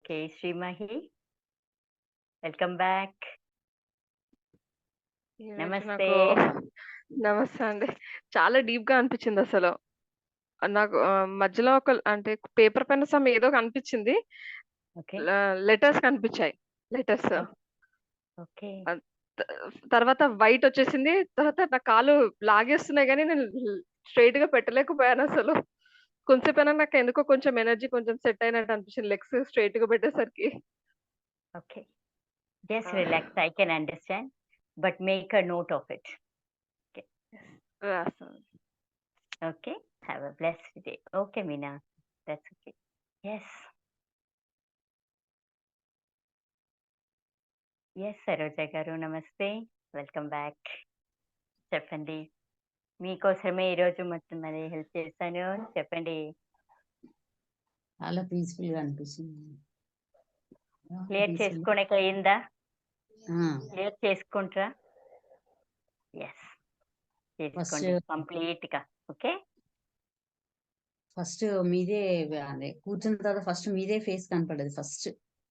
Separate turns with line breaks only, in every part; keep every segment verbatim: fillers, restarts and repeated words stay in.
Okay. శ్రీమహి welcome back.
ఏంటో
నమస్తే.
నాకు నమస్తే అండి. చాలా డీప్‌గా అనిపిచ్చిందసలు. నాకు ఆహ్, మధ్యలో ఒక అంటే పేపర్ పెన్ సమ్ ఏదో కనిపిచ్చింది.
ఓకే.
ల లెటర్స్ కనిపిచ్చాయి. లెటర్స్.
ఓహ్! ఓకే.
అద్ త తర్వాత వైట్ వచ్చేసింది. తర్వాత నా కాళ్ళు లాగేస్తున్నాయి గానీ నేను స్ట్రెయిట్‌గా పెట్టలేకపోయానసలు. కొంసేపైనా నాకెందుకో కొంచెం ఎనర్జీ కొంచెం సెట్ అయినట్టు అనిపిచ్చింది లెగ్స్ స్ట్రెయిట్‌గా పెట్టేసరికి.
Okay. Just
ah!
Relax. I can understand. But make a note of it. Okay.
రాస్తాను.
Okay. Have a blessed day. Okay Meena. That's okay. Yes. Yes Saroja గారు నమస్తే. Welcome back. చెప్పండి. మీకోసమే ఈరోజు మొత్తం మరి హెల్ప్ చేశాను. చెప్పండి.
చాలా పీస్‌ఫుల్‌గా అనిపిస్తుంది.
Clear
peaceful.
చేసుకోనీకి అయిందా?
ఆ!
క్లియర్ చేసుకుంట్రా? యెస్.
ఫస్ట్
చేసుకోండి కంప్లీట్‌గా. ఓకే.
ఫస్ట్ మీదే అదే కూర్చున్న తర్వాత ఫస్ట్ మీదే ఫేస్ కనపడ్డది first.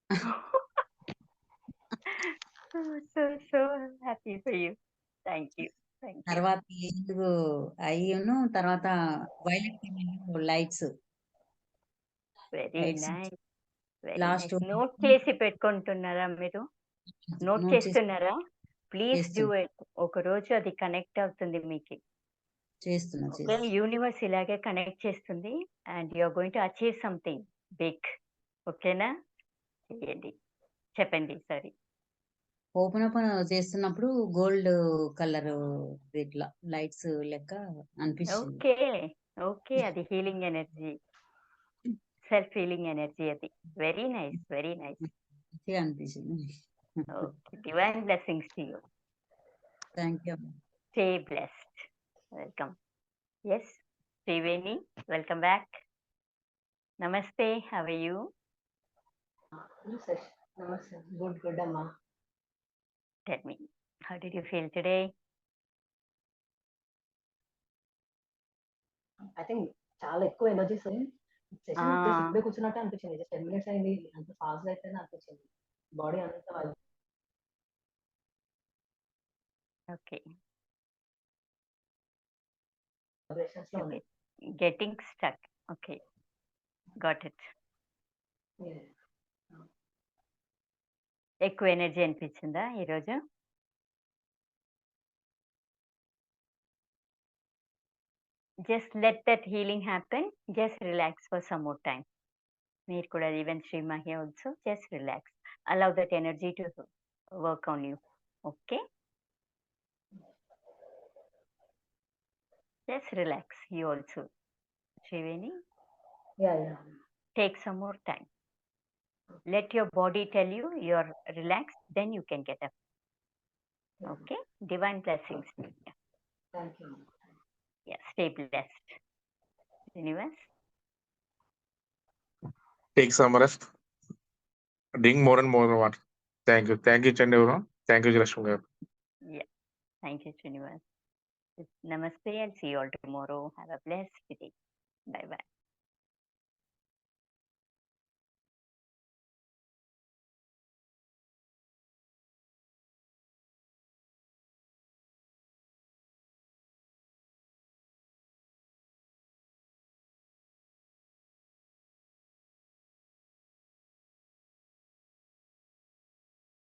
So, so, so happy for you. Thank you. Thank you.
తర్వాత ఎందుకు అయ్యును తర్వాత వైలెట్ కలర్‌లో lights.
Very
lights
nice. Very
last
nice. Note చేసి పెట్టుకుంటున్నారా మీరు? నోట్
నోట్ చేసి
చేస్తున్నారా? ప్లీజ్ డూ
చేస్తున్నా.
ఇట్. ఒకరోజు అది కనెక్ట్ అవుతుంది మీకి.
చేస్తున్నా
ఓకే.
చేస్తున్నా.
యూనివర్స్ ఇలాగే కనెక్ట్ చేస్తుంది. And you are going to achieve something big. ఓకేనా? చేయండి. చెప్పండి. సారీ.
ఓపెన్ ఓపెన్ చేస్తున్నప్పుడు గోల్డ్ కలర్ ఇట్లా లైట్స్ లెక్క అనిపించింది.
ఓకే. ఓకే. అది healing energy. Self healing energy అది. Very nice. Very nice.
మంచిగా అనిపించింది.
Okay. Divine blessings to you.
Thank you.
Stay blessed. Welcome. Yes. Triveni welcome back. నమస్తే. How are you?
నమస్తే. నమస్తే. గుడ్ గుడ్ అమ్మా.
Tell me. How did you feel today?
I think చాలా ఎక్కువ energies
ఆ!
Session just ఇప్పుడే కూర్చున్నట్టే అనిపించింది. జస్ట్ పది మినిట్స్ అయింది. అంత ఫాస్ట్‌గా అయిపోయింది అనిపించింది. బాడీ అంతా వైబ్
ఓకే.
వైబ్రేషన్స్‌లో ఉంది.
Getting stuck. Okay. Got it.
Yeah!
ఎక్కువ ఎనర్జీ అనిపించిందా ఈరోజు? Just let that healing happen. Just relax for some more time. మీరు కూడా even Srimahi also just relax. Allow that energy to work on you. Okay. Just relax. You also. Triveni
yeah! Yeah!
take some more time. Let your body tell you you're relaxed, then you can get up. Okay? Divine blessings. Yeah.
Thank you.
Yeah. Stay blessed. Universe.
Take some rest. Drink more and more water. Thank you. Thank you, Chandevaram. Thank you, Jalashmi garu.
Yeah. Thank you, Universe. Namaste. I'll see you all tomorrow. Have a blessed day. Bye bye.